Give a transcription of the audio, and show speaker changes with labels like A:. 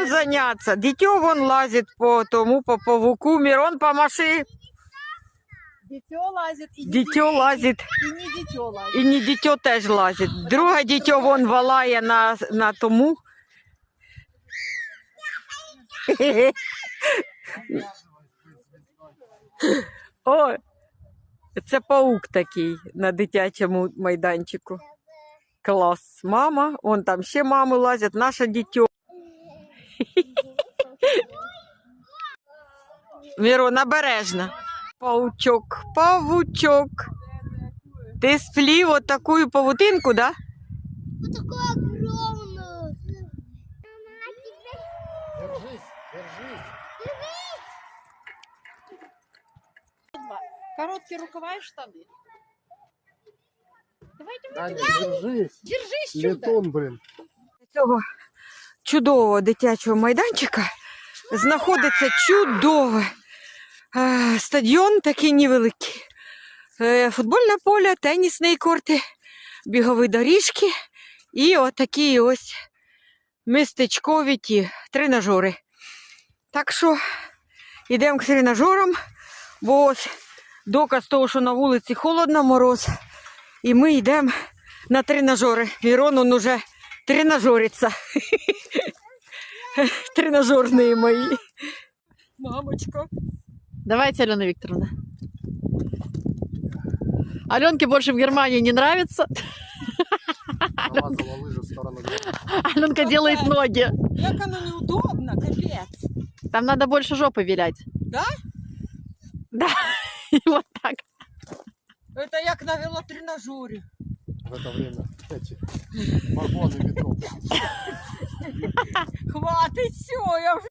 A: чем заняться. Дитё вон лазит по тому, по павуку. Мирон, помаши.
B: Дитё лазит.
A: Дитё лазит.
B: И не дитё лазит.
A: І не дитё теж лазить. Друге дитё вон валає на тому. О, це паук такий на дитячому майданчику. Клас. Мама, вон там ще мами лазять, наше дитё. Мирон, обережно. Паучок, павучок. Ты сплів вот такую павутинку, да?
C: Вот такую огромную.
D: Держись, держись.
B: Короткие рукава и штаны. Давайте
D: Аня, держись.
B: держись, чудо.
D: Летун, блин.
A: Цього чудового дитячого майданчика знаходиться чудове стадіон такий невеликий. Футбольне поле, тенісні корти, бігові доріжки і отакі ось містечкові ті тренажери. Так що йдемо к тренажерам, бо ось доказ того, що на вулиці холодно, мороз, і ми йдемо на тренажери. Мирон, он уже тренажерится. Тренажерные мои. Мамочка.
B: Давайте, Алена Викторовна. Аленке больше в Германии не нравится.
D: Намазала лыжи в сторону дома.
B: Аленка делает ноги.
A: Як оно неудобно, капец.
B: Там надо больше жопы вилять.
A: Да?
B: Да. И вот так.
A: Это як на велотренажере.
D: В это время эти вагоны метро.
A: Хватит, все, я уже